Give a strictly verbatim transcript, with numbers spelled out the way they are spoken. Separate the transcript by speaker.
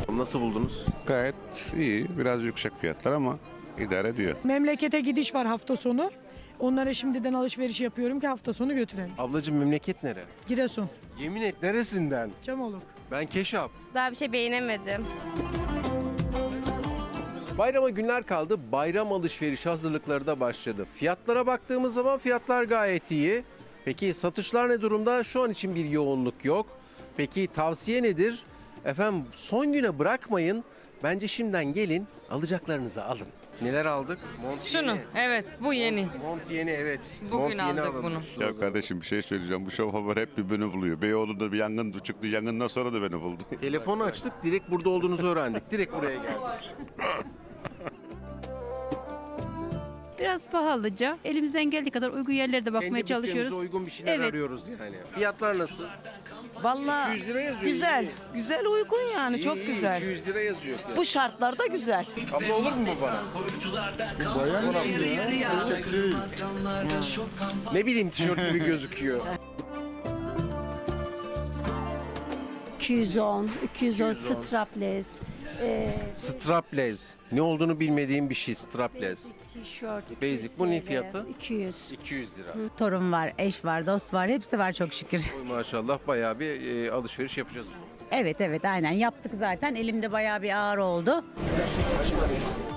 Speaker 1: Nasıl buldunuz?
Speaker 2: Gayet iyi. Biraz yüksek fiyatlar ama idare ediyor.
Speaker 3: Memlekete gidiş var hafta sonu. Onlara şimdiden alışveriş yapıyorum ki hafta sonu götürelim.
Speaker 1: Ablacığım memleket nere?
Speaker 3: Giresun,
Speaker 1: Yemin et neresinden?
Speaker 3: Çamoluk.
Speaker 1: Ben Keşap.
Speaker 4: Daha bir şey beğenemedim.
Speaker 1: Bayrama günler kaldı. Bayram alışveriş hazırlıkları da başladı. Fiyatlara baktığımız zaman fiyatlar gayet iyi. Peki satışlar ne durumda? Şu an için bir yoğunluk yok. Peki tavsiye nedir? Efendim son güne bırakmayın. Bence şimdiden gelin alacaklarınızı alın. Neler aldık? Mont
Speaker 5: Şunu,
Speaker 1: yeni.
Speaker 5: evet bu yeni.
Speaker 1: Mont yeni evet.
Speaker 5: Bugün
Speaker 1: Mont yeni
Speaker 5: aldık
Speaker 1: alalım.
Speaker 5: bunu.
Speaker 2: Ya kardeşim bir şey söyleyeceğim. Bu şov haber hep bir beni buluyor. Beyoğlu'nda bir yangın çıktı. Yangından sonra da beni buldu.
Speaker 1: Telefonu açtık, direkt burada olduğunuzu öğrendik. Direkt buraya geldik.
Speaker 6: Biraz pahalıca. Elimizden geldiği kadar uygun yerlerde bakmaya
Speaker 1: Kendi bütçemize
Speaker 6: çalışıyoruz.
Speaker 1: uygun bir şeyler
Speaker 6: Evet.
Speaker 1: arıyoruz yani. Fiyatlar nasıl?
Speaker 7: Vallahi
Speaker 1: iki yüz lira yazıyor.
Speaker 7: güzel.
Speaker 1: iyi.
Speaker 7: Güzel uygun yani
Speaker 1: İyi,
Speaker 7: çok
Speaker 1: iyi,
Speaker 7: güzel.
Speaker 1: iki yüz lira yazıyor. fiyat.
Speaker 7: Bu şartlarda güzel.
Speaker 1: Abla olur mu bu bana? Ne bileyim tişört gibi gözüküyor.
Speaker 8: iki yüz on, iki yüz on strapless, e,
Speaker 1: Strapless. Ne olduğunu bilmediğim bir şey strapless.
Speaker 8: tişört. iki
Speaker 1: Basic.
Speaker 8: yüz
Speaker 1: Bu ne
Speaker 8: T L,
Speaker 1: fiyatı?
Speaker 8: iki yüz.
Speaker 1: iki yüz lira.
Speaker 9: Torun var, eş var, dost var. Hepsi var çok şükür.
Speaker 1: Oy maşallah bayağı bir e, alışveriş yapacağız.
Speaker 9: Evet evet aynen yaptık zaten. Elimde bayağı bir ağır oldu.